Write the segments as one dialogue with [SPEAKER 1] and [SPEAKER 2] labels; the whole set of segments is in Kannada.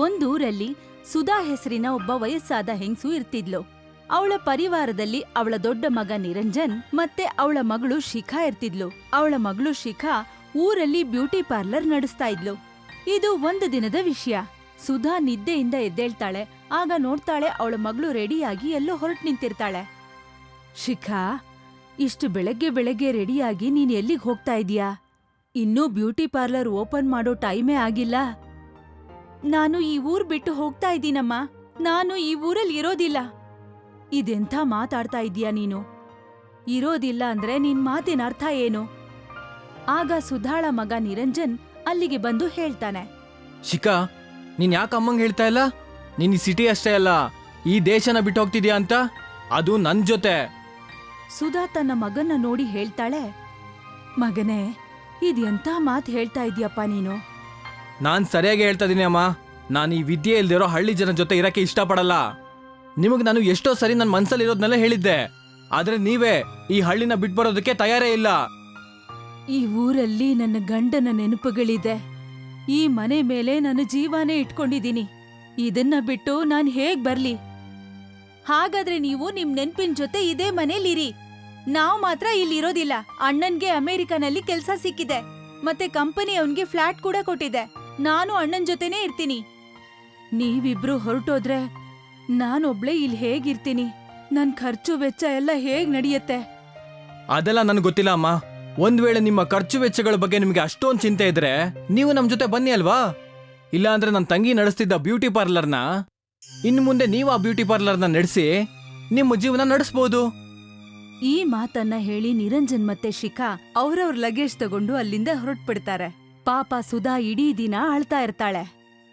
[SPEAKER 1] ಒಂದೂರಲ್ಲಿ ಸುಧಾ ಹೆಸರಿನ ಒಬ್ಬ ವಯಸ್ಸಾದ ಹೆಂಗ್ಸು ಇರ್ತಿದ್ಲು. ಅವಳ ಪರಿವಾರದಲ್ಲಿ ಅವಳ ದೊಡ್ಡ ಮಗ ನಿರಂಜನ್ ಮತ್ತೆ ಅವಳ ಮಗಳು ಶಿಖಾ ಇರ್ತಿದ್ಲು. ಅವಳ ಮಗಳು ಶಿಖಾ ಊರಲ್ಲಿ ಬ್ಯೂಟಿ ಪಾರ್ಲರ್ ನಡೆಸ್ತಾ ಇದ್ಲು. ಇದು ಒಂದು ದಿನದ ವಿಷಯ. ಸುಧಾ ನಿದ್ದೆಯಿಂದ ಎದ್ದೇಳ್ತಾಳೆ. ಆಗ ನೋಡ್ತಾಳೆ ಅವಳ ಮಗಳು ರೆಡಿಯಾಗಿ ಎಲ್ಲೋ ಹೊರಟು ನಿಂತಿರ್ತಾಳೆ. ಶಿಖಾ, ಇಷ್ಟು ಬೆಳಗ್ಗೆ ಬೆಳಗ್ಗೆ ರೆಡಿಯಾಗಿ ನೀನ್ ಎಲ್ಲಿಗ್ ಹೋಗ್ತಾ ಇದೀಯಾ? ಇನ್ನೂ ಬ್ಯೂಟಿ ಪಾರ್ಲರ್ ಓಪನ್ ಮಾಡೋ ಟೈಮೇ ಆಗಿಲ್ಲ. ನಾನು ಈ ಊರ್ ಬಿಟ್ಟು ಹೋಗ್ತಾ ಇದ್ದೀನಮ್ಮ. ನಾನು ಈ ಊರಲ್ಲಿ ಇರೋದಿಲ್ಲ. ಇದೆಂಥ ಮಾತಾಡ್ತಾ ಇದೀಯಾ ನೀನು? ಇರೋದಿಲ್ಲ ಅಂದ್ರೆ ನಿನ್ ಮಾತಿನ ಅರ್ಥ ಏನು? ಆಗ ಸುಧಾಳ ಮಗ ನಿರಂಜನ್ ಅಲ್ಲಿಗೆ ಬಂದು ಹೇಳ್ತಾನೆ.
[SPEAKER 2] ಶಿಖಾ, ನೀನ್ ಯಾಕೆ ಅಮ್ಮಂಗ್ ಹೇಳ್ತಾ ಇಲ್ಲ? ನೀನ್ ಈ ಸಿಟಿ ಅಷ್ಟೇ ಅಲ್ಲ, ಈ ದೇಶನ ಬಿಟ್ಟು ಹೋಗ್ತಿದ್ಯಾ ಅಂತ, ಅದು ನನ್ ಜೊತೆ.
[SPEAKER 1] ಸುಧಾ ತನ್ನ ಮಗನ್ನ ನೋಡಿ ಹೇಳ್ತಾಳೆ, ಮಗನೇ, ಇದೆಂಥ ಮಾತು ಹೇಳ್ತಾ ಇದೀಯಪ್ಪ ನೀನು?
[SPEAKER 2] ನಾನ್ ಸರಿಯಾಗಿ ಹೇಳ್ತಾ ಇದೀನಿ ಅಮ್ಮ. ನಾನು ಈ ವಿದ್ಯೆ ಇಲ್ದಿರೋ ಹಳ್ಳಿ ಜನ ಜೊತೆ ಇರಕ್ಕೆ ಇಷ್ಟಪಡಲ್ಲ. ನಿಮಗ್ ನಾನು ಎಷ್ಟೋ ಸರಿ ನನ್ನ ಮನ್ಸಲ್ಲಿರೋದ್ನೆಲ್ಲ ಹೇಳಿದ್ದೆ, ಆದ್ರೆ ನೀವೇ ಈ ಹಳ್ಳಿನ ಬಿಟ್ಬರೋದಕ್ಕೆ ತಯಾರೇ ಇಲ್ಲ.
[SPEAKER 1] ಈ ಊರಲ್ಲಿ ನನ್ನ ಗಂಡನ ನೆನಪುಗಳಿದೆ. ಈ ಮನೆ ಮೇಲೆ ನನ್ನ ಜೀವನೇ ಇಟ್ಕೊಂಡಿದ್ದೀನಿ. ಇದನ್ನ ಬಿಟ್ಟು ನಾನ್ ಹೇಗ್ ಬರ್ಲಿ? ಹಾಗಾದ್ರೆ ನೀವು ನಿಮ್ ನೆನ್ಪಿನ ಜೊತೆ ಇದೇ ಮನೇಲಿರಿ. ನಾವ್ ಮಾತ್ರ ಇಲ್ಲಿರೋದಿಲ್ಲ. ಅಣ್ಣನ್ಗೆ ಅಮೆರಿಕನಲ್ಲಿ ಕೆಲ್ಸ ಸಿಕ್ಕಿದೆ, ಮತ್ತೆ ಕಂಪನಿ ಅವನ್ಗೆ ಫ್ಲಾಟ್ ಕೂಡ ಕೊಟ್ಟಿದೆ. ನಾನು ಅಣ್ಣನ್ ಜೊತೆನೇ ಇರ್ತೀನಿ. ನೀವಿಬ್ರು ಹೊರಟೋದ್ರೆ ನಾನೊಬ್ಳೆ ಇಲ್ಲಿ ಹೇಗಿರ್ತೀನಿ? ನನ್ ಖರ್ಚು ವೆಚ್ಚ ಎಲ್ಲ ಹೇಗ್ ನಡೆಯುತ್ತೆ?
[SPEAKER 2] ಅದೆಲ್ಲ ನನ್ಗೆ ಗೊತ್ತಿಲ್ಲ ಅಮ್ಮ. ಒಂದ್ ವೇಳೆ ನಿಮ್ಮ ಖರ್ಚು ವೆಚ್ಚಗಳ ಬಗ್ಗೆ ನಿಮ್ಗೆ ಅಷ್ಟೊಂದು ಚಿಂತೆ ಇದ್ರೆ ನೀವು ನಮ್ ಜೊತೆ ಬನ್ನಿ ಅಲ್ವಾ? ಇಲ್ಲ ಅಂದ್ರೆ ನನ್ನ ತಂಗಿ ನಡೆಸ್ತಿದ್ದ ಬ್ಯೂಟಿ ಪಾರ್ಲರ್ನ ಇನ್ನು ಮುಂದೆ ನೀವು ಆ ಬ್ಯೂಟಿ ಪಾರ್ಲರ್ನ ನಡೆಸಿ ನಿಮ್ಮ ಜೀವನ ನಡೆಸಬಹುದು.
[SPEAKER 1] ಈ ಮಾತನ್ನ ಹೇಳಿ ನಿರಂಜನ್ ಮತ್ತೆ ಶಿಖಾ ಅವ್ರವ್ರ ಲಗೇಜ್ ತಗೊಂಡು ಅಲ್ಲಿಂದ ಹೊರಟ್ಬಿಡ್ತಾರೆ. ಪಾಪ ಸುಧಾ ಇಡೀ ದಿನ ಅಳ್ತಾ ಇರ್ತಾಳೆ.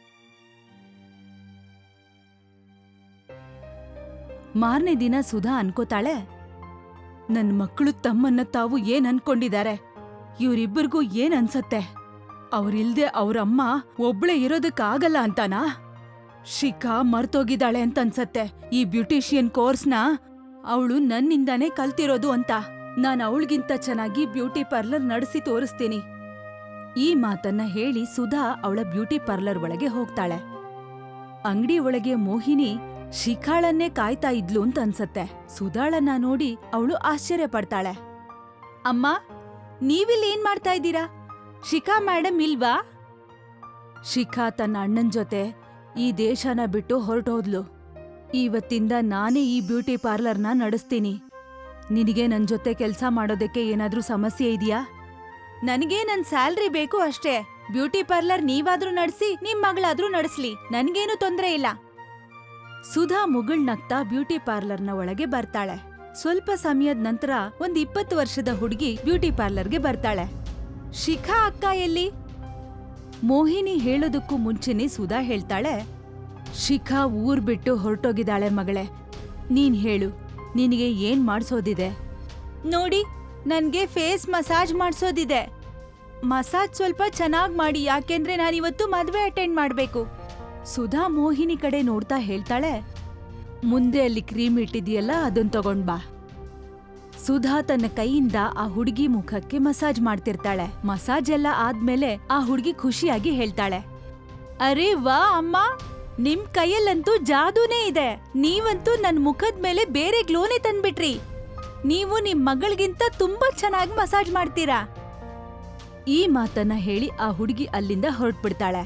[SPEAKER 1] ಮಾರನೇ ದಿನ ಸುಧಾ ಅನ್ಕೋತಾಳೆ, ನನ್ ಮಕ್ಕಳು ತಮ್ಮನ್ನ ತಾವು ಏನ್ ಅನ್ಕೊಂಡಿದ್ದಾರೆ? ಇವ್ರಿಬ್ಬರಿಗೂ ಏನ್ ಅನ್ಸತ್ತೆ? ಅವ್ರಿಲ್ದೆ ಅವ್ರಮ್ಮ ಒಬ್ಳೆ ಇರೋದಕ್ಕಾಗಲ್ಲ ಅಂತಾನಾ? ಶಿಖಾ ಮರ್ತೋಗಿದ್ದಾಳೆ ಅಂತ ಅನ್ಸತ್ತೆ ಈ ಬ್ಯೂಟಿಷಿಯನ್ ಕೋರ್ಸ್ನ ಅವಳು ನನ್ನಿಂದಾನೇ ಕಲ್ತಿರೋದು ಅಂತ. ನಾನ್ ಅವಳಿಗಿಂತ ಚೆನ್ನಾಗಿ ಬ್ಯೂಟಿ ಪಾರ್ಲರ್ ನಡೆಸಿ ತೋರಿಸ್ತೀನಿ. ಈ ಮಾತನ್ನ ಹೇಳಿ ಸುಧಾ ಅವಳ ಬ್ಯೂಟಿ ಪಾರ್ಲರ್ ಒಳಗೆ ಹೋಗ್ತಾಳೆ. ಅಂಗಡಿ ಒಳಗೆ ಮೋಹಿನಿ ಶಿಖಾಳನ್ನೇ ಕಾಯ್ತಾ ಇದ್ಲು ಅಂತ ಅನ್ಸತ್ತೆ. ಸುಧಾಳನ್ನ ನೋಡಿ ಅವಳು ಆಶ್ಚರ್ಯ ಪಡ್ತಾಳೆ. ಅಮ್ಮ, ನೀವಿಲ್ಲಿ ಏನ್ ಮಾಡ್ತಾ ಇದ್ದೀರಾ? ಶಿಖಾ ಮೇಡಮ್ ಇಲ್ವಾ? ಶಿಖಾ ತನ್ನ ಅಣ್ಣನ್ ಜೊತೆ ಈ ದೇಶನ ಬಿಟ್ಟು ಹೊರಟೋದ್ಲು. ಇವತ್ತಿಂದ ನಾನೇ ಈ ಬ್ಯೂಟಿ ಪಾರ್ಲರ್ನ ನಡೆಸ್ತೀನಿ. ನಿನಗೆ ನನ್ ಜೊತೆ ಕೆಲ್ಸ ಮಾಡೋದಕ್ಕೆ ಏನಾದ್ರೂ ಸಮಸ್ಯೆ ಇದೆಯಾ? ನನಗೆ ನನ್ ಸ್ಯಾಲ್ರಿ ಬೇಕು ಅಷ್ಟೇ. ಬ್ಯೂಟಿ ಪಾರ್ಲರ್ ನೀವಾದ್ರೂ ನಡೆಸಿ, ನಿಮ್ ಮಗಳಾದ್ರೂ ನಡೆಸ್ಲಿ, ನನ್ಗೇನು ತೊಂದ್ರೆ ಇಲ್ಲ. ಸುಧಾ ಮುಗುಳ್ನಗ್ತಾ ಬ್ಯೂಟಿ ಪಾರ್ಲರ್ನ ಒಳಗೆ ಬರ್ತಾಳೆ. ಸ್ವಲ್ಪ ಸಮಯದ ನಂತರ 20 ವರ್ಷದ ಹುಡುಗಿ ಬ್ಯೂಟಿ ಪಾರ್ಲರ್ಗೆ ಬರ್ತಾಳೆ. ಶಿಖಾ ಅಕ್ಕ ಎಲ್ಲಿ? ಮೋಹಿನಿ ಹೇಳೋದಕ್ಕೂ ಮುಂಚೆನೆ ಸುಧಾ ಹೇಳ್ತಾಳೆ, ಶಿಖಾ ಊರ್ ಬಿಟ್ಟು ಹೊರಟೋಗಿದ್ದಾಳೆ ಮಗಳೇ. ನೀನ್ ಹೇಳು, ನಿನಗೆ ಏನ್ ಮಾಡ್ಸೋದಿದೆ? ನೋಡಿ, ನನ್ಗೆ ಫೇಸ್ ಮಸಾಜ್ ಮಾಡ್ಸೋದಿದೆ. ಮಸಾಜ್ ಸ್ವಲ್ಪ ಚೆನ್ನಾಗ್ ಮಾಡಿ, ಯಾಕೆಂದ್ರೆ ನಾನಿವತ್ತು ಮದ್ವೆ ಅಟೆಂಡ್ ಮಾಡ್ಬೇಕು. ಸುಧಾ ಮೋಹಿನಿ ಕಡೆ ನೋಡ್ತಾ ಹೇಳ್ತಾಳೆ, ಮುಂದೆ ಅಲ್ಲಿ ಕ್ರೀಮ್ ಇಟ್ಟಿದೆಯಲ್ಲ, ಅದನ್ ತಗೊಂಡ್ ಬಾ. ಸುಧಾ ತನ್ನ ಕೈಯಿಂದ ಆ ಹುಡುಗಿ ಮುಖಕ್ಕೆ ಮಸಾಜ್ ಮಾಡ್ತಿರ್ತಾಳೆ. ಮಸಾಜ್ ಎಲ್ಲ ಆದ್ಮೇಲೆ ಆ ಹುಡುಗಿ ಖುಷಿಯಾಗಿ ಹೇಳ್ತಾಳೆ, ಅರೇ ವಾ ಅಮ್ಮ, ನಿಮ್ ಕೈಯಲ್ಲಂತೂ ಜಾದೂನೇ ಇದೆ. ನೀವಂತೂ ನನ್ ಮುಖದ ಮೇಲೆ ಬೇರೆ ಗ್ಲೋನೇ ತಂದ್ಬಿಟ್ರಿ. ನೀವು ನಿಮ್ ಮಗಳಿಗಿಂತ ತುಂಬಾ ಚೆನ್ನಾಗಿ ಮಸಾಜ್ ಮಾಡ್ತೀರಾ. ಈ ಮಾತನ್ನ ಹೇಳಿ ಆ ಹುಡುಗಿ ಅಲ್ಲಿಂದ ಹೊರಟ್ಬಿಡ್ತಾಳೆ.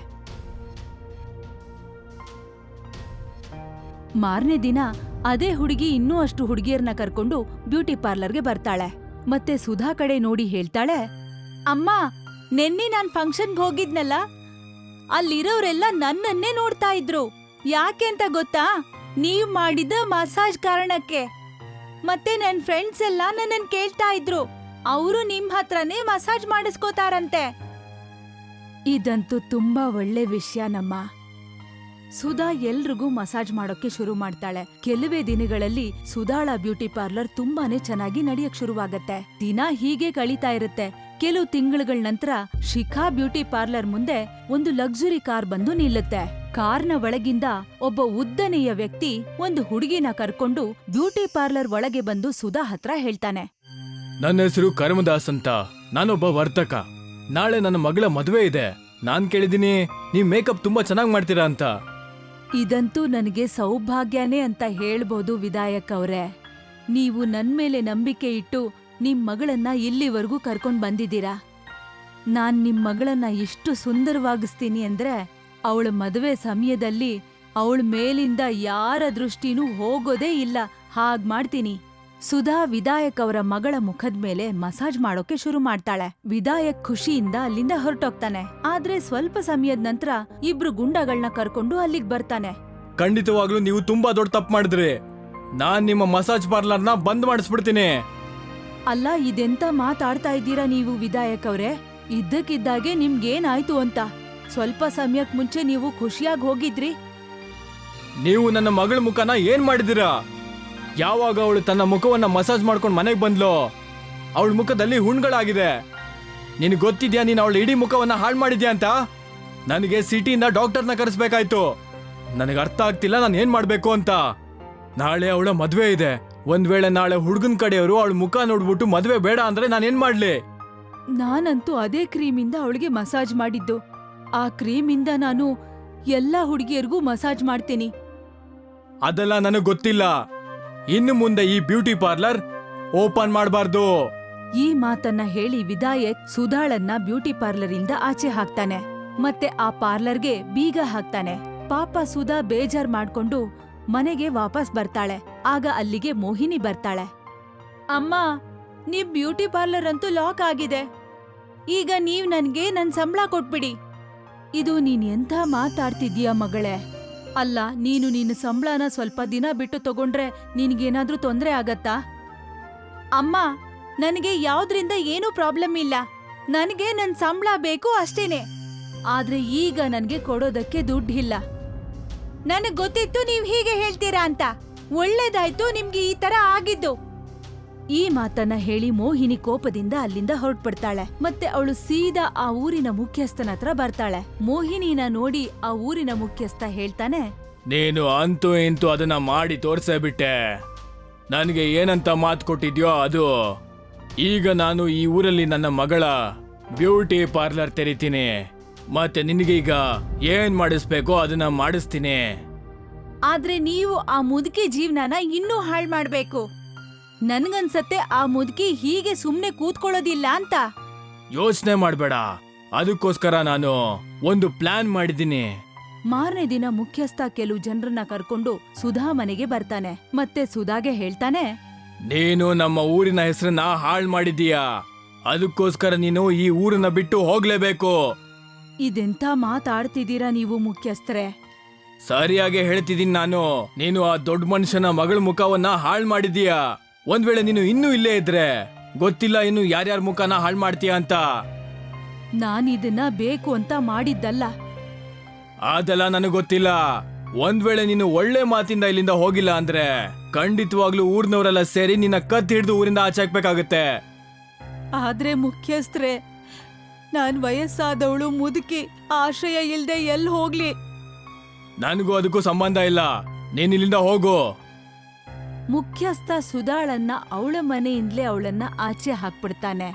[SPEAKER 1] ಮಾರನೇ ದಿನ ಅದೇ ಹುಡುಗಿ ಇನ್ನೂ ಅಷ್ಟು ಹುಡುಗಿಯರ್ನ ಕರ್ಕೊಂಡು ಬ್ಯೂಟಿ ಪಾರ್ಲರ್ಗೆ ಬರ್ತಾಳೆ. ಮತ್ತೆ ಸುಧಾ ಕಡೆ ನೋಡಿ ಹೇಳ್ತಾಳೆ, ಅಮ್ಮ, ನೆನ್ನೆ ನಾನ್ ಫಂಕ್ಷನ್ಗೆ ಹೋಗಿದ್ನಲ್ಲ, ಅಲ್ಲಿರೋರೆಲ್ಲ ನನ್ನನ್ನೇ ನೋಡ್ತಾ ಇದ್ರು. ಯಾಕೆ ಅಂತ ಗೊತ್ತಾ? ನೀವ್ ಮಾಡಿದ ಮಸಾಜ್ ಕಾರಣಕ್ಕೆ. ಮತ್ತೆ ನನ್ ಫ್ರೆಂಡ್ಸ್ ಎಲ್ಲ ನನ್ನನ್ ಕೇಳ್ತಾ ಇದ್ರು, ಅವರು ನಿಮ್ ಹತ್ರನೇ ಮಸಾಜ್ ಮಾಡಿಸ್ಕೋತಾರಂತೆ. ಇದಂತೂ ತುಂಬಾ ಒಳ್ಳೆ ವಿಷಯನಮ್ಮ. ಸುಧಾ ಎಲ್ರಿಗೂ ಮಸಾಜ್ ಮಾಡೋಕೆ ಶುರು ಮಾಡ್ತಾಳೆ. ಕೆಲವೇ ದಿನಗಳಲ್ಲಿ ಸುಧಾಳ ಬ್ಯೂಟಿ ಪಾರ್ಲರ್ ತುಂಬಾನೇ ಚೆನ್ನಾಗಿ ನಡೆಯಕ್ ಶುರುವಾಗತ್ತೆ. ದಿನ ಹೀಗೆ ಕಳೀತಾ ಇರುತ್ತೆ. ಕೆಲವು ತಿಂಗಳುಗಳ ನಂತರ ಶಿಖಾ ಬ್ಯೂಟಿ ಪಾರ್ಲರ್ ಮುಂದೆ ಒಂದು ಲಕ್ಸುರಿ ಕಾರ್ ಬಂದು ನಿಲ್ಲುತ್ತೆ. ಕಾರ್ನ ಒಳಗಿಂದ ಒಬ್ಬ ಉದ್ದನೆಯ ವ್ಯಕ್ತಿ ಒಂದು ಹುಡುಗಿನ ಕರ್ಕೊಂಡು ಬ್ಯೂಟಿ ಪಾರ್ಲರ್ ಒಳಗೆ ಬಂದು ಸುಧಾ ಹತ್ರ ಹೇಳ್ತಾನೆ,
[SPEAKER 2] ನನ್ನ ಹೆಸರು ಕರ್ಮದಾಸ್ ಅಂತ. ನಾನೊಬ್ಬ ವರ್ತಕ. ನಾಳೆ ನನ್ನ ಮಗಳ ಮದುವೆ ಇದೆ. ನಾನ್ ಕೇಳಿದೀನಿ ನೀವ್ ಮೇಕಪ್ ತುಂಬಾ ಚೆನ್ನಾಗಿ ಮಾಡ್ತೀರಾ ಅಂತ.
[SPEAKER 1] ಇದಂತೂ ನನಗೆ ಸೌಭಾಗ್ಯನೇ ಅಂತ ಹೇಳ್ಬೋದು ವಿಧಾಯಕ್ ಅವ್ರೆ. ನೀವು ನನ್ಮೇಲೆ ನಂಬಿಕೆ ಇಟ್ಟು ನಿಮ್ ಮಗಳನ್ನ ಇಲ್ಲಿವರೆಗೂ ಕರ್ಕೊಂಡ್ ಬಂದಿದ್ದೀರಾ. ನಾನ್ ನಿಮ್ ಮಗಳನ್ನ ಎಷ್ಟು ಸುಂದರವಾಗಿಸ್ತೀನಿ ಅಂದ್ರೆ ಅವಳ ಮದುವೆ ಸಮಯದಲ್ಲಿ ಅವಳ ಮೇಲಿಂದ ಯಾರ ದೃಷ್ಟಿನೂ ಹೋಗೋದೇ ಇಲ್ಲ ಹಾಗ್ ಮಾಡ್ತೀನಿ. ಸುಧಾ ವಿಧಾಯಕ್ ಅವರ ಮಗಳ ಮುಖದ ಮೇಲೆ ಮಸಾಜ್ ಮಾಡೋಕೆ ಶುರು ಮಾಡ್ತಾಳೆ. ವಿಧಾಯಕ್ ಖುಷಿಯಿಂದ ಅಲ್ಲಿಂದ ಹೊರಟೋಗ್ತಾನೆ. ಆದ್ರೆ ಸ್ವಲ್ಪ ಸಮಯದ ನಂತರ ಇಬ್ರು ಗುಂಡಗಳನ್ನ ಕರ್ಕೊಂಡು ಅಲ್ಲಿಗ್ ಬರ್ತಾನೆ.
[SPEAKER 2] ಖಂಡಿತವಾಗ್ಲೂ ನೀವು ತುಂಬಾ ದೊಡ್ಡ ತಪ್ಪು ಮಾಡಿದ್ರಿ. ನಾನ್ ನಿಮ್ಮ ಮಸಾಜ್ ಪಾರ್ಲರ್ನ ಬಂದ್ ಮಾಡಿಸ್ಬಿಡ್ತೀನಿ.
[SPEAKER 1] ಅಲ್ಲ, ಇದೆಂತ ಮಾತಾಡ್ತಾ ಇದ್ದೀರಾ ನೀವು ವಿಧಾಯಕ್ ಅವ್ರೆ? ಇದ್ದಕ್ಕಿದ್ದಾಗೆ ನಿಮ್ಗೇನಾಯ್ತು ಅಂತ? ಸ್ವಲ್ಪ ಸಮಯಕ್ ಮುಂಚೆ ನೀವು ಖುಷಿಯಾಗಿ ಹೋಗಿದ್ರಿ.
[SPEAKER 2] ನೀವು ನನ್ನ ಮಗಳ ಮುಖನ ಏನ್ ಮಾಡಿದಿರಾ? ಯಾವಾಗ ಅವಳು ತನ್ನ ಮುಖವನ್ನ ಮಸಾಜ್ ಮಾಡ್ಕೊಂಡು ಮನೆಗೆ ಬಂದ್ಲೋ ಅವಳ ಮುಖದಲ್ಲಿ ಹುಣ್ಗಳಾಗಿದೆ. ನಿನಗೆ ಗೊತ್ತಿದ್ಯಾ ನೀನು ಅವಳ ಇಡೀ ಮುಖವನ್ನ ಹಾಳು ಮಾಡಿದ್ಯಾ ಅಂತ? ನನಗೆ ಸಿಟಿಯಿಂದ ಡಾಕ್ಟರ್ನ ಕರೆಸ್ಬೇಕಾಯ್ತು. ನನಗೆ ಅರ್ಥ ಆಗ್ತಿಲ್ಲ ನಾನು ಏನ್ ಮಾಡ್ಬೇಕು ಅಂತ. ನಾಳೆ ಅವಳ ಮದ್ವೆ ಇದೆ. ಒಂದ್ ವೇಳೆ ನಾಳೆ ಹುಡುಗನ್ ಕಡೆಯವರು ಅವಳ ಮುಖ ನೋಡ್ಬಿಟ್ಟು ಮದ್ವೆ ಬೇಡ ಅಂದ್ರೆ ನಾನೇನ್ ಮಾಡ್ಲಿ?
[SPEAKER 1] ನಾನಂತೂ ಅದೇ ಕ್ರೀಮಿಂದ ಅವಳಿಗೆ ಮಸಾಜ್ ಮಾಡಿದ್ದು. ಆ ಕ್ರೀಮಿಂದ ನಾನು ಎಲ್ಲಾ ಹುಡುಗಿಯರಿಗೂ ಮಸಾಜ್ ಮಾಡ್ತೀನಿ.
[SPEAKER 2] ಅದೆಲ್ಲ ನನಗೆ ಗೊತ್ತಿಲ್ಲ. ಇನ್ನು ಮುಂದೆ ಈ ಬ್ಯೂಟಿ ಪಾರ್ಲರ್ ಓಪನ್ ಮಾಡಬಾರ್ದು.
[SPEAKER 1] ಈ ಮಾತನ್ನ ಹೇಳಿ ವಿಧಾಯಕ್ ಸುಧಾಳನ್ನ ಬ್ಯೂಟಿ ಪಾರ್ಲರ್ ಇಂದ ಆಚೆ ಹಾಕ್ತಾನೆ. ಮತ್ತೆ ಆ ಪಾರ್ಲರ್ಗೆ ಬೀಗ ಹಾಕ್ತಾನೆ. ಪಾಪ ಸುಧಾ ಬೇಜಾರ್ ಮಾಡ್ಕೊಂಡು ಮನೆಗೆ ವಾಪಸ್ ಬರ್ತಾಳೆ. ಆಗ ಅಲ್ಲಿಗೆ ಮೋಹಿನಿ ಬರ್ತಾಳೆ. ಅಮ್ಮ, ನಿಮ್ ಬ್ಯೂಟಿ ಪಾರ್ಲರ್ ಅಂತೂ ಲಾಕ್ ಆಗಿದೆ. ಈಗ ನೀವ್ ನನ್ಗೆ ನನ್ ಸಂಬಳ ಕೊಟ್ಬಿಡಿ. ಇದು ನೀನ್ ಎಂಥ ಮಾತಾಡ್ತಿದ್ಯಾ ಮಗಳೇ? ಅಲ್ಲ, ನೀನು ನಿನ್ನ ಸಂಬಳನ ಸ್ವಲ್ಪ ದಿನ ಬಿಟ್ಟು ತಗೊಂಡ್ರೆ ನಿನ್ಗೇನಾದ್ರೂ ತೊಂದ್ರೆ ಆಗತ್ತಾ? ಅಮ್ಮ, ನನಗೆ ಯಾವ್ದ್ರಿಂದ ಏನೂ ಪ್ರಾಬ್ಲಮ್ ಇಲ್ಲ. ನನಗೆ ನನ್ ಸಂಬಳ ಬೇಕು ಅಷ್ಟೇನೆ. ಆದ್ರೆ ಈಗ ನನ್ಗೆ ಕೊಡೋದಕ್ಕೆ ದುಡ್ಡಿಲ್ಲ. ನನಗ್ ಗೊತ್ತಿತ್ತು ನೀವ್ ಹೀಗೆ ಹೇಳ್ತೀರಾ ಅಂತ. ಒಳ್ಳೇದಾಯ್ತು ನಿಮ್ಗೆ ಈ ತರ ಆಗಿದ್ದು. ಈ ಮಾತನ್ನ ಹೇಳಿ ಮೋಹಿನಿ ಕೋಪದಿಂದ ಅಲ್ಲಿಂದ ಹೊರಟ್ಬಿಡ್ತಾಳೆ. ಮತ್ತೆ ಅವಳು ಸೀದಾ ಆ ಊರಿನ ಮುಖ್ಯಸ್ಥನ ಹತ್ರ ಬರ್ತಾಳೆ. ಮೋಹಿನಿನ ನೋಡಿ ಆ ಊರಿನ ಮುಖ್ಯಸ್ಥ ಹೇಳ್ತಾನೆ,
[SPEAKER 2] ನೀನು ಅಂತೂ ಇಂತೂ ಅದನ್ನ ಮಾಡಿ ತೋರ್ಸೇ ಬಿಟ್ಟೆ. ನನಗೆ ಏನಂತ ಮಾತು ಕೊಟ್ಟಿದ್ಯೋ ಅದು. ಈಗ ನಾನು ಈ ಊರಲ್ಲಿ ನನ್ನ ಮಗಳ ಬ್ಯೂಟಿ ಪಾರ್ಲರ್ ತೆರಿತೀನಿ. ಮತ್ತೆ ನಿನಗೀಗ ಏನ್ ಮಾಡಿಸ್ಬೇಕೋ ಅದನ್ನ ಮಾಡಿಸ್ತೀನಿ.
[SPEAKER 1] ಆದ್ರೆ ನೀವು ಆ ಮುದುಕಿ ಜೀವನನ ಇನ್ನೂ ಹಾಳ್ ಮಾಡ್ಬೇಕು. ನನ್ಗನ್ಸತ್ತೆ ಆ ಮುದುಕಿ ಹೀಗೆ ಸುಮ್ನೆ ಕೂತ್ಕೊಳ್ಳೋದಿಲ್ಲ ಅಂತ.
[SPEAKER 2] ಯೋಚನೆ ಮಾಡ್ಬೇಡ, ಅದಕ್ಕೋಸ್ಕರ ನಾನು ಒಂದು ಪ್ಲಾನ್ ಮಾಡಿದ್ದೀನಿ.
[SPEAKER 1] ಮಾರನೇ ದಿನ ಮುಖ್ಯಸ್ಥ ಕೆಲವು ಜನರನ್ನ ಕರ್ಕೊಂಡು ಸುಧಾ ಮನೆಗೆ ಬರ್ತಾನೆ. ಮತ್ತೆ ಸುಧಾಗೆ ಹೇಳ್ತಾನೆ,
[SPEAKER 2] ನೀನು ನಮ್ಮ ಊರಿನ ಹೆಸರನ್ನ ಹಾಳು ಮಾಡಿದೀಯಾ. ಅದಕ್ಕೋಸ್ಕರ ನೀನು ಈ ಊರನ್ನ ಬಿಟ್ಟು ಹೋಗ್ಲೇಬೇಕು.
[SPEAKER 1] ಇದೆಂತ ಮಾತಾಡ್ತಿದ್ದೀರಾ ನೀವು ಮುಖ್ಯಸ್ಥರೇ?
[SPEAKER 2] ಸರಿಯಾಗಿ ಹೇಳ್ತಿದ್ದೀನಿ ನಾನು. ನೀನು ಆ ದೊಡ್ಡ ಮನುಷ್ಯನ ಮಗಳ ಮುಖವನ್ನ ಹಾಳು ಮಾಡಿದೀಯಾ. ಒಂದ್ ವೇಳೆ ನೀನು ಇನ್ನೂ ಇಲ್ಲೇ ಇದ್ರೆ ಗೊತ್ತಿಲ್ಲ ಇನ್ನು ಯಾರ್ಯಾರ ಮುಖನ ಹಾಳು ಮಾಡ್ತೀಯ ಅಂತ.
[SPEAKER 1] ನಾನಿದನ್ನ ಬೇಕು ಅಂತ ಮಾಡಿದ್ದಲ್ಲ.
[SPEAKER 2] ಅದೆಲ್ಲ ನನಗೆ ಗೊತ್ತಿಲ್ಲ. ಒಂದ್ ವೇಳೆ ನೀನು ಒಳ್ಳೆ ಮಾತಿಂದ ಇಲ್ಲಿಂದ ಹೋಗಿಲ್ಲ ಅಂದ್ರೆ ಖಂಡಿತವಾಗ್ಲೂ ಊರ್ನವರೆಲ್ಲ ಸೇರಿ ನಿನ್ನ ಕತ್ ಹಿಡಿದು ಊರಿಂದ ಆಚೆ ಹಾಕ್ಬೇಕಾಗತ್ತೆ.
[SPEAKER 1] ಆದ್ರೆ ಮುಖ್ಯಸ್ಥರೇ, ನಾನ್ ವಯಸ್ಸಾದವಳು ಮುದುಕಿ, ಆಶ್ರಯ ಇಲ್ದೆ ಎಲ್ ಹೋಗ್ಲಿ?
[SPEAKER 2] ನನಗೂ ಅದಕ್ಕೂ ಸಂಬಂಧ ಇಲ್ಲ. ನೀನ್ ಇಲ್ಲಿಂದ ಹೋಗು.
[SPEAKER 1] ಮುಖ್ಯಸ್ಥ ಸುಧಾಳನ್ನ ಅವಳ ಮನೆಯಿಂದಲೇ ಅವಳನ್ನ ಆಚೆ ಹಾಕ್ಬಿಡ್ತಾನೆ.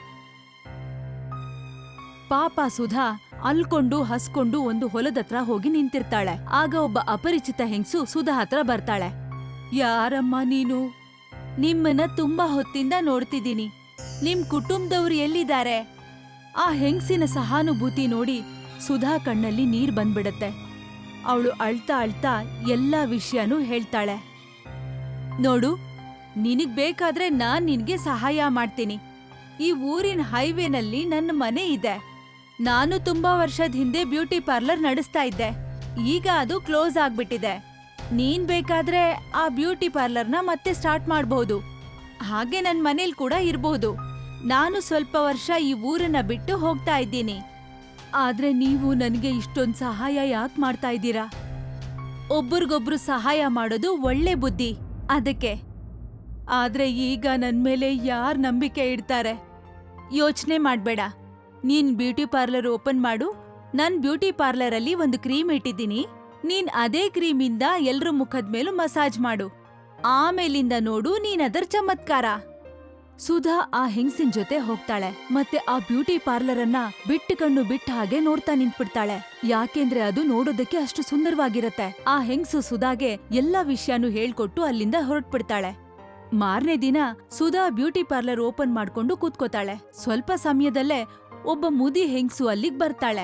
[SPEAKER 1] ಪಾಪ ಸುಧಾ ಅಲ್ಕೊಂಡು ಹಸ್ಕೊಂಡು ಒಂದು ಹೊಲದತ್ರ ಹೋಗಿ ನಿಂತಿರ್ತಾಳೆ. ಆಗ ಒಬ್ಬ ಅಪರಿಚಿತ ಹೆಂಗ್ಸು ಸುಧಾ ಹತ್ರ ಬರ್ತಾಳೆ. ಯಾರಮ್ಮ ನೀನು? ನಿಮ್ಮನ್ನ ತುಂಬಾ ಹೊತ್ತಿಂದ ನೋಡ್ತಿದ್ದೀನಿ. ನಿಮ್ ಕುಟುಂಬದವ್ರು ಎಲ್ಲಿದ್ದಾರೆ? ಆ ಹೆಂಗ್ಸಿನ ಸಹಾನುಭೂತಿ ನೋಡಿ ಸುಧಾ ಕಣ್ಣಲ್ಲಿ ನೀರ್ ಬಂದ್ಬಿಡತ್ತೆ. ಅವಳು ಅಳ್ತಾ ಅಳ್ತಾ ಎಲ್ಲಾ ವಿಷಯನೂ ಹೇಳ್ತಾಳೆ. ನೋಡು, ನಿನಗ್ ಬೇಕಾದ್ರೆ ನಾನ್ ನಿನ್ಗೆ ಸಹಾಯ ಮಾಡ್ತೀನಿ. ಈ ಊರಿನ ಹೈವೇನಲ್ಲಿ ನನ್ನ ಮನೆ ಇದೆ. ನಾನು ತುಂಬಾ ವರ್ಷದ ಹಿಂದೆ ಬ್ಯೂಟಿ ಪಾರ್ಲರ್ ನಡೆಸ್ತಾ ಇದ್ದೆ. ಈಗ ಅದು ಕ್ಲೋಸ್ ಆಗ್ಬಿಟ್ಟಿದೆ. ನೀನ್ ಬೇಕಾದ್ರೆ ಆ ಬ್ಯೂಟಿ ಪಾರ್ಲರ್ನ ಮತ್ತೆ ಸ್ಟಾರ್ಟ್ ಮಾಡ್ಬಹುದು. ಹಾಗೆ ನನ್ ಮನೇಲಿ ಕೂಡ ಇರ್ಬಹುದು. ನಾನು ಸ್ವಲ್ಪ ವರ್ಷ ಈ ಊರನ್ನ ಬಿಟ್ಟು ಹೋಗ್ತಾ ಇದ್ದೀನಿ. ಆದ್ರೆ ನೀವು ನನಗೆ ಇಷ್ಟೊಂದ್ ಸಹಾಯ ಯಾಕೆ ಮಾಡ್ತಾ ಇದ್ದೀರಾ? ಒಬ್ರಿಗೊಬ್ರು ಸಹಾಯ ಮಾಡೋದು ಒಳ್ಳೆ ಬುದ್ಧಿ, ಅದಕ್ಕೆ. ಆದ್ರೆ ಈಗ ನನ್ ಮೇಲೆ ಯಾರ್ ನಂಬಿಕೆ ಇಡ್ತಾರೆ? ಯೋಚನೆ ಮಾಡ್ಬೇಡ. ನೀನ್ ಬ್ಯೂಟಿ ಪಾರ್ಲರ್ ಓಪನ್ ಮಾಡು. ನನ್ ಬ್ಯೂಟಿ ಪಾರ್ಲರ್ ಅಲ್ಲಿ ಒಂದು ಕ್ರೀಮ್ ಇಟ್ಟಿದ್ದೀನಿ. ನೀನ್ ಅದೇ ಕ್ರೀಮಿಂದ ಎಲ್ರ ಮುಖದ ಮೇಲೂ ಮಸಾಜ್ ಮಾಡು. ಆಮೇಲಿಂದ ನೋಡು ನೀನ್ ಅದರ ಚಮತ್ಕಾರ. ಸುಧಾ ಆ ಹೆಂಗ್ಸಿನ್ ಜೊತೆ ಹೋಗ್ತಾಳೆ ಮತ್ತೆ ಆ ಬ್ಯೂಟಿ ಪಾರ್ಲರ್ ಅನ್ನ ಬಿಟ್ಟು ಕಣ್ಣು ಬಿಟ್ಟ ಹಾಗೆ ನೋಡ್ತಾ ನಿಂತ್ಬಿಡ್ತಾಳೆ. ಯಾಕೆಂದ್ರೆ ಅದು ನೋಡೋದಕ್ಕೆ ಅಷ್ಟು ಸುಂದರವಾಗಿರತ್ತೆ. ಆ ಹೆಂಗ್ಸು ಸುಧಾಗೆ ಎಲ್ಲಾ ವಿಷಯನೂ ಹೇಳ್ಕೊಟ್ಟು ಅಲ್ಲಿಂದ ಹೊರಟ್ಬಿಡ್ತಾಳೆ. ಮಾರನೇ ದಿನ ಸುಧಾ ಬ್ಯೂಟಿ ಪಾರ್ಲರ್ ಓಪನ್ ಮಾಡ್ಕೊಂಡು ಕೂತ್ಕೋತಾಳೆ. ಸ್ವಲ್ಪ ಸಮಯದಲ್ಲೇ ಒಬ್ಬ ಮುದಿ ಹೆಂಗ್ಸು ಅಲ್ಲಿಗ್ ಬರ್ತಾಳೆ.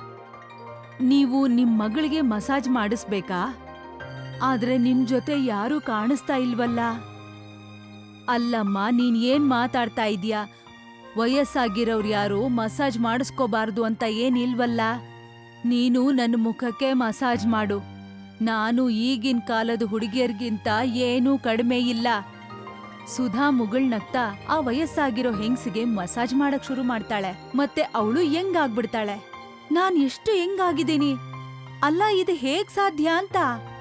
[SPEAKER 1] ನೀವು ನಿಮ್ ಮಗಳಿಗೆ ಮಸಾಜ್ ಮಾಡಿಸ್ಬೇಕಾ? ಆದ್ರೆ ನಿಮ್ ಜೊತೆ ಯಾರೂ ಕಾಣಿಸ್ತಾ ಇಲ್ವಲ್ಲ? ಅಲ್ಲಮ್ಮ, ನೀನ್ ಏನ್ ಮಾತಾಡ್ತಾ ಇದೀಯಾ? ವಯಸ್ಸಾಗಿರೋರು ಯಾರು ಮಸಾಜ್ ಮಾಡಿಸ್ಕೋಬಾರ್ದು ಅಂತ ಏನಿಲ್ವಲ್ಲ. ನೀನು ನನ್ನ ಮುಖಕ್ಕೆ ಮಸಾಜ್ ಮಾಡು. ನಾನು ಈಗಿನ ಕಾಲದ ಹುಡುಗಿಯರ್ಗಿಂತ ಏನೂ ಕಡಿಮೆ ಇಲ್ಲ. ಸುಧಾ ಮುಗುಳ್ನಗ್ತಾ ಆ ವಯಸ್ಸಾಗಿರೋ ಹೆಂಗ್ಸಿಗೆ ಮಸಾಜ್ ಮಾಡಕ್ ಶುರು ಮಾಡ್ತಾಳೆ. ಮತ್ತೆ ಅವಳು ಹೆಂಗಾಗ್ಬಿಡ್ತಾಳೆ. ನಾನ್ ಎಷ್ಟು ಹೆಂಗಾಗಿದ್ದೀನಿ, ಅಲ್ಲ ಇದು ಹೇಗ್ ಸಾಧ್ಯ ಅಂತ.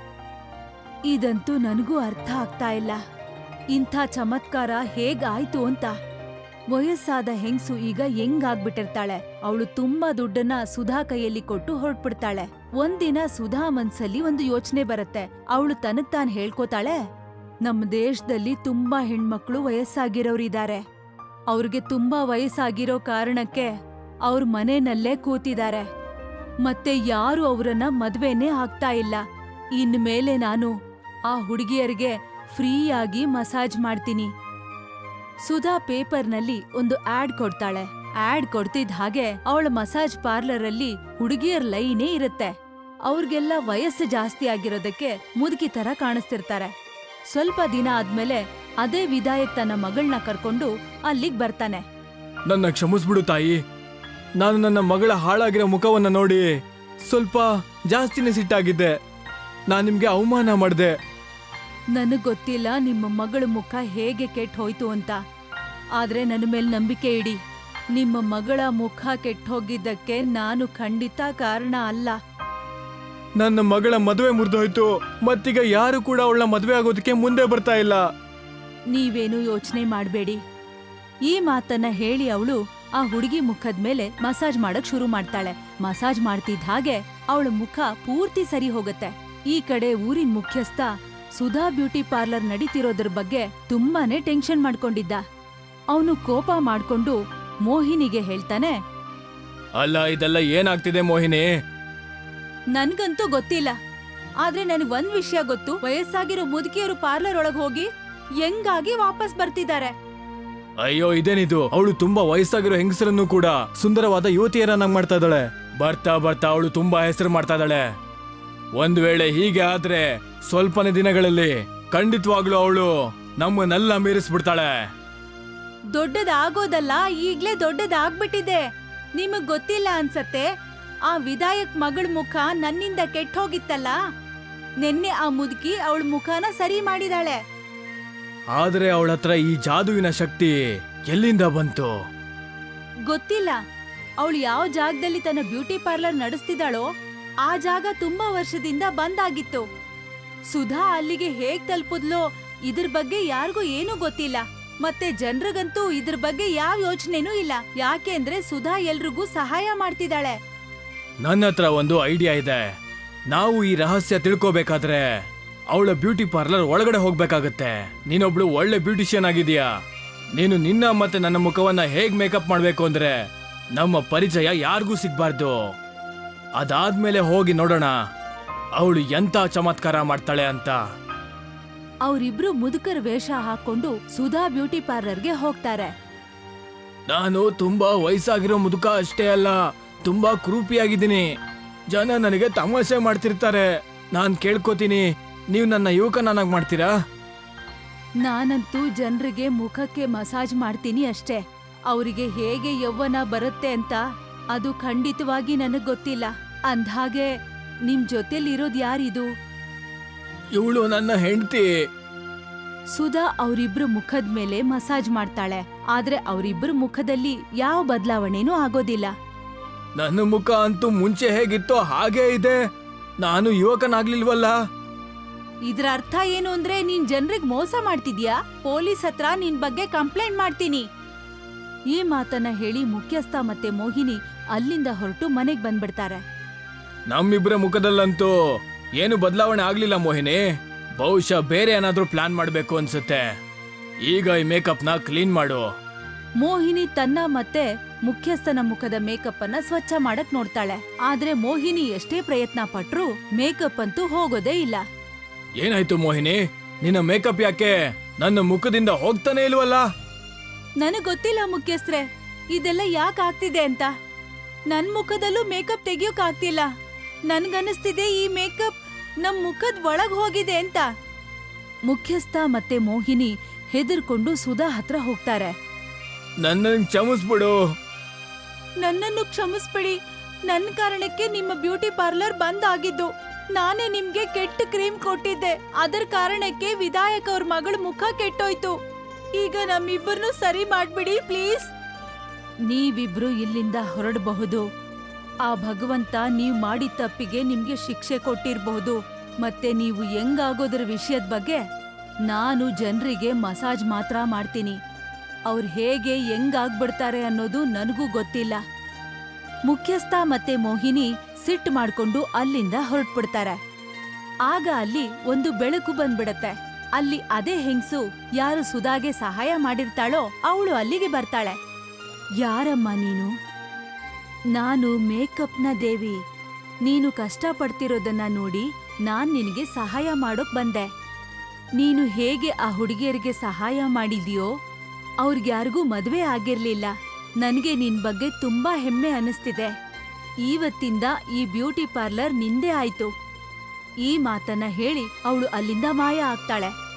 [SPEAKER 1] ಇದಂತೂ ನನಗೂ ಅರ್ಥ ಆಗ್ತಾ ಇಲ್ಲ. ಇಂಥ ಚಮತ್ಕಾರ ಹೇಗಾಯ್ತು ಅಂತ. ವಯಸ್ಸಾದ ಹೆಂಗ್ಸು ಈಗ ಹೆಂಗಾಗ್ಬಿಟ್ಟಿರ್ತಾಳೆ. ಅವಳು ತುಂಬಾ ದುಡ್ಡನ್ನ ಸುಧಾ ಕೈಯಲ್ಲಿ ಕೊಟ್ಟು ಹೊರಟ್ಬಿಡ್ತಾಳೆ. ಒಂದಿನ ಸುಧಾ ಮನ್ಸಲ್ಲಿ ಒಂದು ಯೋಚನೆ ಬರುತ್ತೆ. ಅವಳು ತನಗ್ ತಾನ್ ಹೇಳ್ಕೋತಾಳೆ, ನಮ್ಮ ದೇಶದಲ್ಲಿ ತುಂಬಾ ಹೆಣ್ಮಕ್ಳು ವಯಸ್ಸಾಗಿರೋರಿದ್ದಾರೆ. ಅವ್ರಿಗೆ ತುಂಬಾ ವಯಸ್ಸಾಗಿರೋ ಕಾರಣಕ್ಕೆ ಅವ್ರ ಮನೆಯಲ್ಲೇ ಕೂತಿದ್ದಾರೆ. ಮತ್ತೆ ಯಾರು ಅವರನ್ನ ಮದ್ವೆನೇ ಆಗ್ತಾ ಇಲ್ಲ. ಇನ್ಮೇಲೆ ನಾನು ಆ ಹುಡುಗಿಯರಿಗೆ ಫ್ರೀಯಾಗಿ ಮಸಾಜ್ ಮಾಡ್ತೀನಿ. ಸುಧಾ ಪೇಪರ್ನಲ್ಲಿ ಒಂದು ಆಡ್ ಕೊಡ್ತಾಳೆ. ಆಡ್ ಕೊಡ್ತಿದ್ದ ಹಾಗೆ ಅವಳ ಮಸಾಜ್ ಪಾರ್ಲರ್ ಅಲ್ಲಿ ಹುಡುಗಿಯರ್ ಲೈನೇ ಇರುತ್ತೆ. ಅವ್ರಿಗೆಲ್ಲ ವಯಸ್ಸು ಜಾಸ್ತಿ ಆಗಿರೋದಕ್ಕೆ ಮುದುಕಿ ತರ ಕಾಣಿಸ್ತಿರ್ತಾರೆ. ಸ್ವಲ್ಪ ದಿನ ಆದ್ಮೇಲೆ ಅದೇ ವಿಧಾಯಕ್ ತನ್ನ ಮಗಳನ್ನ ಕರ್ಕೊಂಡು ಅಲ್ಲಿಗ್ ಬರ್ತಾನೆ.
[SPEAKER 2] ನನ್ನ ಕ್ಷಮಿಸ್ಬಿಡು ತಾಯಿ. ನಾನು ನನ್ನ ಮಗಳ ಹಾಳಾಗಿರೋ ಮುಖವನ್ನ ನೋಡಿ ಸ್ವಲ್ಪ ಜಾಸ್ತಿನೇ ಸಿಟ್ಟಾಗಿದ್ದೆ. ನಾನು ನಿಮ್ಗೆ ಅವಮಾನ ಮಾಡಿದೆ.
[SPEAKER 1] ನನಗ್ ಗೊತ್ತಿಲ್ಲ ನಿಮ್ಮ ಮಗಳ ಮುಖ ಹೇಗೆ ಕೆಟ್ಟ ಹೋಯ್ತು ಅಂತ. ಆದ್ರೆ ನನ್ನ ಮೇಲೆ ನಂಬಿಕೆ ಇಡಿ. ನಿಮ್ಮ ಮಗಳ ಮುಖ ಕೆಟ್ಟ ಹೋಗಿದ್ದಕ್ಕೆ ನಾನು ಖಂಡಿತ ಕಾರಣ ಅಲ್ಲ.
[SPEAKER 2] ನನ್ನ ಮಗಳ ಮದುವೆ ಮುರಿದೋಯ್ತು. ಮತ್ತೀಗ ಯಾರು ಕೂಡ ಅವಳ ಮದುವೆ ಆಗೋದಕ್ಕೆ ಮುಂದೆ ಬರ್ತಾ ಇಲ್ಲ.
[SPEAKER 1] ನೀವೇನು ಯೋಚನೆ ಮಾಡ್ಬೇಡಿ. ಈ ಮಾತನ್ನ ಹೇಳಿ ಅವಳು ಆ ಹುಡುಗಿ ಮುಖದ ಮೇಲೆ ಮಸಾಜ್ ಮಾಡಕ್ ಶುರು ಮಾಡ್ತಾಳೆ. ಮಸಾಜ್ ಮಾಡ್ತಿದ್ದ ಹಾಗೆ ಅವಳ ಮುಖ ಪೂರ್ತಿ ಸರಿ ಹೋಗತ್ತೆ. ಈ ಕಡೆ ಊರಿನ ಮುಖ್ಯಸ್ಥ ಸುಧಾ ಬ್ಯೂಟಿ ಪಾರ್ಲರ್ ನಡೀತಿರೋದ್ರ ಬಗ್ಗೆ ತುಂಬಾನೇ ಟೆನ್ಷನ್ ಮಾಡ್ಕೊಂಡಿದ್ದ. ಅವನು ಕೋಪ ಮಾಡ್ಕೊಂಡು ಮೋಹಿನಿಗೆ ಹೇಳ್ತಾನೆ,
[SPEAKER 2] ಅಲ್ಲ, ಇದೆಲ್ಲ ಏನಾಗ್ತಿದೆ ಮೋಹಿನಿ?
[SPEAKER 1] ನನ್ಗಂತೂ ಗೊತ್ತಿಲ್ಲ. ಆದ್ರೆ ನನಗ್ ಒಂದ್ ವಿಷಯ ಗೊತ್ತು. ವಯಸ್ಸಾಗಿರೋ ಮುದುಕಿಯರು ಪಾರ್ಲರ್ ಒಳಗ್ ಹೋಗಿ ಹೆಂಗಾಗಿ ವಾಪಸ್ ಬರ್ತಿದ್ದಾರೆ.
[SPEAKER 2] ಅಯ್ಯೋ, ಇದೇನಿದು? ಅವಳು ತುಂಬಾ ವಯಸ್ಸಾಗಿರೋ ಹೆಂಗಸರನ್ನು ಕೂಡ ಸುಂದರವಾದ ಯುವತಿಯರನ್ನಾಗಿ ಮಾಡ್ತಾ ಇದ್ದಾಳೆ. ಬರ್ತಾ ಬರ್ತಾ ಅವಳು ತುಂಬಾ ಹೆಸರು ಮಾಡ್ತಾ ಇದ್ದಾಳೆ. ಒಂದ್ ವೇಳೆ ಹೀಗೆ ಆದ್ರೆ ಸ್ವಲ್ಪನೇ ದಿನಗಳಲ್ಲಿ ಖಂಡಿತವಾಗ್ಲೂ ಅವಳು ನಮ್ಮನ್ನೆಲ್ಲ ಮೀರಿಸ್ಬಿಡ್ತಾಳೆ.
[SPEAKER 1] ದೊಡ್ಡದಾಗೋದಲ್ಲ, ಈಗ್ಲೇ ದೊಡ್ಡದಾಗ್ಬಿಟ್ಟಿದೆ. ನಿಮಗ್ ಗೊತ್ತಿಲ್ಲ ಅನ್ಸತ್ತೆ. ಆ ವಿಧಾಯಕ್ ಮಗಳ ಮುಖ ನನ್ನಿಂದ ಕೆಟ್ಟ ಹೋಗಿತ್ತಲ್ಲ, ನಿನ್ನೆ ಆ ಮುದುಕಿ ಅವಳ ಮುಖನ ಸರಿ ಮಾಡಿದಾಳೆ.
[SPEAKER 2] ಆದ್ರೆ ಅವಳ ಹತ್ರ ಈ ಜಾದುವಿನ ಶಕ್ತಿ ಎಲ್ಲಿಂದ ಬಂತು?
[SPEAKER 1] ಗೊತ್ತಿಲ್ಲ. ಅವಳು ಯಾವ ಜಾಗದಲ್ಲಿ ತನ್ನ ಬ್ಯೂಟಿ ಪಾರ್ಲರ್ ನಡೆಸ್ತಿದ್ದಾಳೋ ಆ ಜಾಗ ತುಂಬಾ ವರ್ಷದಿಂದ ಬಂದಾಗಿತ್ತು. ಸುಧಾ ಅಲ್ಲಿಗೆ ಹೇಗ್ ತಲುಪುದ್ಲೋ ಇದ್ರ ಬಗ್ಗೆ ಯಾರಿಗೂ ಏನೂ ಗೊತ್ತಿಲ್ಲ. ಮತ್ತೆ ಜನರಿಗಂತೂ ಇದ್ರ ಬಗ್ಗೆ ಯಾವ ಯೋಚನೆನೂ ಇಲ್ಲ. ಯಾಕೆಂದ್ರೆ ಸುಧಾ ಎಲ್ರಿಗೂ ಸಹಾಯ ಮಾಡ್ತಿದ್ದಾಳೆ.
[SPEAKER 2] ನನ್ನ ಹತ್ರ ಒಂದು ಐಡಿಯಾ ಇದೆ. ನಾವು ಈ ರಹಸ್ಯ ತಿಳ್ಕೋಬೇಕಾದ್ರೆ ಅವಳ ಬ್ಯೂಟಿ ಪಾರ್ಲರ್ ಒಳಗಡೆ ಹೋಗ್ಬೇಕಾಗತ್ತೆ. ನೀನೊಬ್ಳು ಒಳ್ಳೆ ಬ್ಯೂಟಿಷಿಯನ್ ಆಗಿದೀಯಾ. ನೀನು ನಿನ್ನ ಮತ್ತೆ ನನ್ನ ಮುಖವನ್ನ ಹೇಗ್ ಮೇಕಪ್ ಮಾಡ್ಬೇಕು ಅಂದ್ರೆ ನಮ್ಮ ಪರಿಚಯ ಯಾರಿಗೂ ಸಿಗ್ಬಾರ್ದು. ಅದಾದ್ಮೇಲೆ ಹೋಗಿ ನೋಡೋಣ ಅವಳು ಎಂತ ಚಮತ್ಕಾರ ಮಾಡ್ತಾಳೆ ಅಂತ.
[SPEAKER 1] ಅವರಿಬ್ರು ಮುದುಕರ ವೇಷ ಹಾಕೊಂಡು ಸುಧಾ ಬ್ಯೂಟಿ ಪಾರ್ಲರ್ಗೆ ಹೋಗ್ತಾರೆ.
[SPEAKER 2] ನಾನು ತುಂಬಾ ವಯಸ್ಸಾಗಿರೋ ಮುದುಕ ಅಷ್ಟೇ ಅಲ್ಲ, ತುಂಬಾ ಕ್ರೂಪಿಯಾಗಿದ್ದೀನಿ. ಜನ ನನಗೆ ತಮಾಷೆ ಮಾಡ್ತಿರ್ತಾರೆ. ನಾನ್ ಕೇಳ್ಕೊತೀನಿ, ನೀವು ನನ್ನ ಯುವಕನಾಗಿ ಮಾಡ್ತೀರಾ?
[SPEAKER 1] ನಾನಂತೂ ಜನರಿಗೆ ಮುಖಕ್ಕೆ ಮಸಾಜ್ ಮಾಡ್ತೀನಿ ಅಷ್ಟೇ. ಅವರಿಗೆ ಹೇಗೆ ಯೌವನ ಬರುತ್ತೆ ಅಂತ ಅದು ಖಂಡಿತವಾಗಿ ನನಗ್ ಗೊತ್ತಿಲ್ಲ. ಅಂದ್ಹಾಗೆ ನಿಮ್ ಜೊತೆಲಿರೋದ್ ಯಾರಿದು?
[SPEAKER 2] ಇವಳು ನನ್ನ ಹೆಂಡತಿ.
[SPEAKER 1] ಸುಧಾ ಅವರಿಬ್ರು ಮುಖದ ಮೇಲೆ ಮಸಾಜ್ ಮಾಡ್ತಾಳೆ. ಆದ್ರೆ ಅವರಿಬ್ರು ಮುಖದಲ್ಲಿ ಯಾವ ಬದಲಾವಣೆನೂ ಆಗೋದಿಲ್ಲ.
[SPEAKER 2] ನನ್ನ ಮುಖ ಅಂತೂ ಮುಂಚೆ ಹೇಗಿತ್ತೋ ಹಾಗೇ ಇದೆ. ನಾನು ಯುವಕನಾಗ್ಲಿಲ್ವಲ್ಲ.
[SPEAKER 1] ಇದ್ರ ಅರ್ಥ ಏನು ಅಂದ್ರೆ ನೀನ್ ಜನರಿಗೆ ಮೋಸ ಮಾಡ್ತಿದ್ಯಾ. ಪೊಲೀಸ್ ಹತ್ರ ನಿನ್ ಬಗ್ಗೆ ಕಂಪ್ಲೇಂಟ್ ಮಾಡ್ತೀನಿ. ಈ ಮಾತನ್ನ ಹೇಳಿ ಮುಖ್ಯಸ್ಥ ಮತ್ತೆ ಮೋಹಿನಿ ಅಲ್ಲಿಂದ ಹೊರಟು ಮನೆಗ್ ಬಂದ್ಬಿಡ್ತಾರೆ.
[SPEAKER 2] ನಮ್ಮಿಬ್ಬರ ಮುಖದಲ್ಲಂತೂ ಏನು ಬದಲಾವಣೆ ಆಗ್ಲಿಲ್ಲ ಮೋಹಿನಿ. ಬಹುಶಃ ಬೇರೆ ಏನಾದ್ರೂ ಪ್ಲಾನ್ ಮಾಡ್ಬೇಕು ಅನ್ಸುತ್ತೆ. ಈಗ ಈ ಮೇಕಪ್ನ ಕ್ಲೀನ್ ಮಾಡು.
[SPEAKER 1] ಮೋಹಿನಿ ತನ್ನ ಮತ್ತೆ ಮುಖ್ಯಸ್ಥನ ಮುಖದ ಮೇಕಪ್ ಅನ್ನ ಸ್ವಚ್ಛ ಮಾಡಕ್ ನೋಡ್ತಾಳೆ. ಆದ್ರೆ ಮೋಹಿನಿ ಎಷ್ಟೇ ಪ್ರಯತ್ನ ಪಟ್ರೂ ಮೇಕಪ್ ಅಂತೂ ಹೋಗೋದೇ ಇಲ್ಲ.
[SPEAKER 2] ಏನಾಯ್ತು ಮೋಹಿನಿ, ನಿನ್ನ ಮೇಕಪ್ ಯಾಕೆ ನನ್ನ ಮುಖದಿಂದ ಹೋಗ್ತಾನೆ ಇಲ್ವಲ್ಲ?
[SPEAKER 1] ನನಗ್ ಗೊತ್ತಿಲ್ಲ ಮುಖ್ಯಸ್ಥ್ರೆ, ಇದೆಲ್ಲ ಯಾಕೆ ಆಗ್ತಿದೆ ಅಂತ. ನನ್ ಮುಖದಲ್ಲೂ ಮೇಕಪ್ ತೆಗಿಯೋಕ್ ಆಗ್ತಿಲ್ಲ. ನನ್ಗನ್ನಿಸ್ತಿದೆ ಈ ಮೇಕಪ್ ನಮ್ ಮುಖದ್ ಒಳಗ್ ಹೋಗಿದೆ ಅಂತ. ಮುಖ್ಯಸ್ಥ ಮತ್ತೆ ಮೋಹಿನಿ ಹೆದರ್ಕೊಂಡು ಸುಧಾ ಹತ್ರ ಹೋಗ್ತಾರೆ.
[SPEAKER 2] ನನ್ನನ್ನು ಕ್ಷಮಿಸ್ಬಿಡು.
[SPEAKER 1] ನನ್ನನ್ನು ಕ್ಷಮಿಸ್ಬಿಡಿ. ನನ್ ಕಾರಣಕ್ಕೆ ನಿಮ್ಮ ಬ್ಯೂಟಿ ಪಾರ್ಲರ್ ಬಂದ್ ಆಗಿದ್ದು. ನಾನೇ ನಿಮ್ಗೆ ಕೆಟ್ಟ ಕ್ರೀಮ್ ಕೊಟ್ಟಿದ್ದೆ. ಅದರ ಕಾರಣಕ್ಕೆ ವಿಧಾಯಕ್ ಅವ್ರ ಮಗಳ ಮುಖ ಕೆಟ್ಟೋಯ್ತು. ಈಗ ನಮ್ಮಿಬ್ಬರನ್ನು ಸರಿ ಮಾಡ್ಬಿಡಿ ಪ್ಲೀಸ್. ನೀವಿಬ್ರು ಇಲ್ಲಿಂದ ಹೊರಡಬಹುದು. ಆ ಭಗವಂತ ನೀವ್ ಮಾಡಿದ ತಪ್ಪಿಗೆ ನಿಮ್ಗೆ ಶಿಕ್ಷೆ ಕೊಟ್ಟಿರ್ಬಹುದು. ಮತ್ತೆ ನೀವು ಹೆಂಗಾಗೋದ್ರ ವಿಷಯದ ಬಗ್ಗೆ ನಾನು ಜನರಿಗೆ ಮಸಾಜ್ ಮಾತ್ರ ಮಾಡ್ತೀನಿ. ಅವ್ರು ಹೇಗೆ ಹೆಂಗಾಗ್ಬಿಡ್ತಾರೆ ಅನ್ನೋದು ನನಗೂ ಗೊತ್ತಿಲ್ಲ. ಮುಖ್ಯಸ್ಥ ಮತ್ತೆ ಮೋಹಿನಿ ಸಿಟ್ಟು ಮಾಡ್ಕೊಂಡು ಅಲ್ಲಿಂದ ಹೊರಟ್ಬಿಡ್ತಾರೆ. ಆಗ ಅಲ್ಲಿ ಒಂದು ಬೆಳಕು ಬಂದ್ಬಿಡತ್ತೆ. ಅಲ್ಲಿ ಅದೇ ಹೆಂಗ್ಸು ಯಾರು ಸುಧಾಗೆ ಸಹಾಯ ಮಾಡಿರ್ತಾಳೋ ಅವಳು ಅಲ್ಲಿಗೆ ಬರ್ತಾಳೆ. ಯಾರಮ್ಮ ನೀನು? ನಾನು ಮೇಕಪ್ನ ದೇವಿ. ನೀನು ಕಷ್ಟಪಡ್ತಿರೋದನ್ನ ನೋಡಿ ನಾನ್ ನಿನಗೆ ಸಹಾಯ ಮಾಡೋಕ್ ಬಂದೆ. ನೀನು ಹೇಗೆ ಆ ಹುಡುಗಿಯರಿಗೆ ಸಹಾಯ ಮಾಡಿದ್ಯೋ ಅವ್ರಿಗ್ಯಾರಿಗೂ ಮದ್ವೆ ಆಗಿರ್ಲಿಲ್ಲ. ನನ್ಗೆ ನಿನ್ ಬಗ್ಗೆ ತುಂಬಾ ಹೆಮ್ಮೆ ಅನಿಸ್ತಿದೆ. ಇವತ್ತಿಂದ ಈ ಬ್ಯೂಟಿ ಪಾರ್ಲರ್ ನಿಂದೇ ಆಯ್ತು. ಈ ಮಾತನ್ನ ಹೇಳಿ ಅವಳು ಅಲ್ಲಿಂದ ಮಾಯ ಆಗ್ತಾಳೆ.